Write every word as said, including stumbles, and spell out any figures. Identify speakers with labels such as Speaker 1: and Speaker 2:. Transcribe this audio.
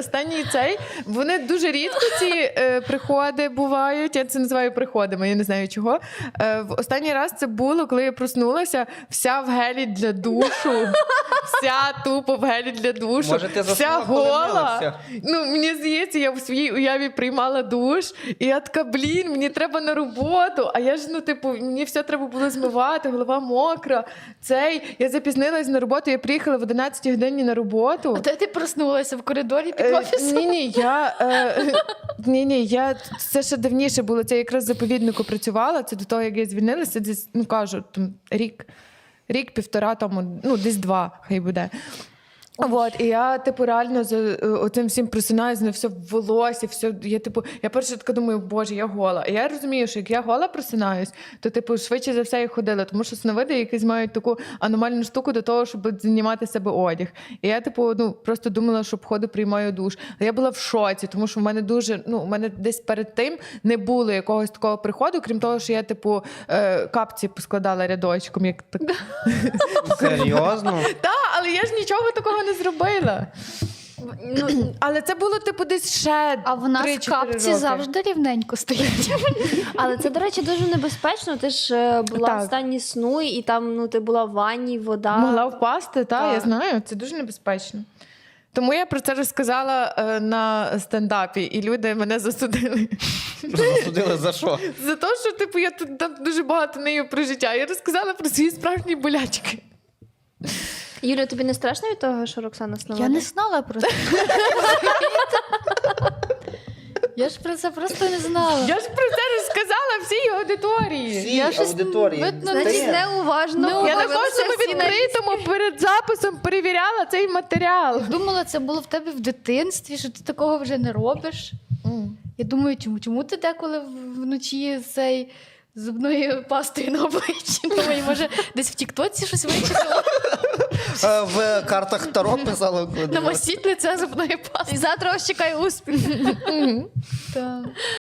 Speaker 1: останній цей, вони дуже рідко ці е, приходи бувають, я це називаю приходами, я не знаю чого. Е, в останній раз це було, коли я проснулася, вся в гелі для душу, вся тупо в гелі для душу,
Speaker 2: Може, ти
Speaker 1: вся
Speaker 2: заснула, коли
Speaker 1: гола.
Speaker 2: милася?
Speaker 1: Ну, мені здається, я в своїй уяві приймала душ, і я така, блін, мені треба на роботу, а я ж, ну, типу, мені все треба було змивати, голова мокра, цей, я запізнилась на роботу, я приїхала в одинадцятій годині на роботу.
Speaker 3: А де ти проснулася? В коридорі під
Speaker 1: Е,
Speaker 3: офісом?
Speaker 1: Ні, ні, я е, ні, ні, я це ще давніше було. Це якраз в заповіднику працювала. Це до того, як я звільнилася, десь, ну кажу, там рік, рік, півтора тому, ну десь два, хай буде. Вот, і я, типу, реально за е, оцим всім просинаюсь, на все в волосі, все, я, типу, я перше така думаю, боже, я гола. І я розумію, що як я гола просинаюсь, то, типу, швидше за все я ходила, тому що сновиди якісь мають таку аномальну штуку до того, щоб знімати з себе одяг. І я, типу, ну, просто думала, що походу приймаю душ. А я була в шоці, тому що в мене дуже, ну, у мене десь перед тим не було якогось такого приходу, крім того, що я, типу, е, капці поскладала рядочком, як так.
Speaker 2: Серйозно?
Speaker 1: Так, але я ж нічого такого не зробила.
Speaker 3: Ну,
Speaker 1: Але це було, типу, десь ще
Speaker 3: а в нас
Speaker 1: три-чотири
Speaker 3: капці
Speaker 1: роки.
Speaker 3: завжди рівненько стоять.
Speaker 4: Але це, до речі, дуже небезпечно. Ти ж е, була
Speaker 1: Так.
Speaker 4: в стані сну, і там ну, ти була в ванні, вода.
Speaker 1: Могла впасти, та,
Speaker 4: Так.
Speaker 1: я знаю, це дуже небезпечно. Тому я про це розказала е, на стендапі, і люди мене засудили.
Speaker 2: Засудили за що?
Speaker 1: За те, що, типу, я тут там дуже багато нею про життя. Я розказала про свої справжні болячки.
Speaker 4: Юля, тобі не страшно від того, що Роксана сновида?
Speaker 3: Я не знала про це. Я ж про це просто не знала.
Speaker 1: Я ж про це розказала всій аудиторії.
Speaker 2: Всі
Speaker 3: Я щось,
Speaker 2: аудиторії.
Speaker 3: видно,
Speaker 4: Значить,
Speaker 3: десь
Speaker 4: неуважно.
Speaker 3: Ну,
Speaker 1: Я на
Speaker 3: дивилася
Speaker 1: кожному
Speaker 3: всі на
Speaker 1: відкритому перед записом перевіряла цей матеріал.
Speaker 3: думала, це було в тебе в дитинстві, що ти такого вже не робиш. Я думаю, чому, чому ти деколи в- вночі цей зубною пастою на обличчі? Думаю, може, десь в Тіктоці щось вичитала?
Speaker 2: Е, В картах Таро писали. коли
Speaker 3: Намастіть лице зубною пастою.
Speaker 4: І завтра ось чекай успіх.
Speaker 3: Так.